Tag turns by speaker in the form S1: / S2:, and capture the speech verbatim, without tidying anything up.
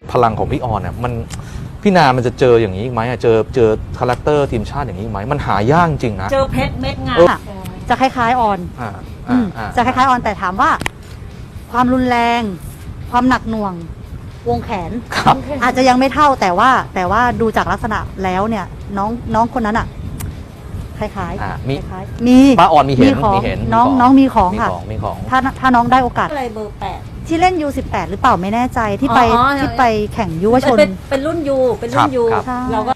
S1: พลังของพี่ออนเนี่ยมันพี่นามันจะเจออย่างนี้อีกไหมเจอเจอคาแรคเตอร์ทีมชาติอย่างนี้อีกไหมมันหายากจริงนะ
S2: เจอเพชรเม็ดงา
S3: ค่ะจะคล้ายๆออน
S1: อ่า
S3: อื
S1: อ่าม อ่า
S3: จะคล้ายๆออนแต่ถามว่า ความรุนแรง ความหนักหน่วง วงแขน
S1: ครับ
S3: อาจจะยังไม่เท่าแต่ว่า แต่ว่าดูจากลักษณะแล้วเนี่ย น้องน้องคนนั้นอะคล้ายๆ
S1: อ่ามี
S3: คล้ายๆมี
S1: ป้าออนมีเห็น
S3: ของ
S1: มีเห็น
S3: น้อง
S1: มีของ
S3: น้องมีของ
S1: มี
S3: ค่ะ
S1: ของมีของ
S3: ถ้าถ้าน้องได้โอกาส
S2: อะไรเบอร์แปด
S3: ที่เล่น ยู สิบแปด หรือเปล่าไม่แน่ใจที่ไป
S2: อ๋อ
S3: ที่ไปแข่งยุวชน
S2: เป็นเป็นรุ่นยูเป็นรุ่นยู
S1: ครับ
S2: เราก็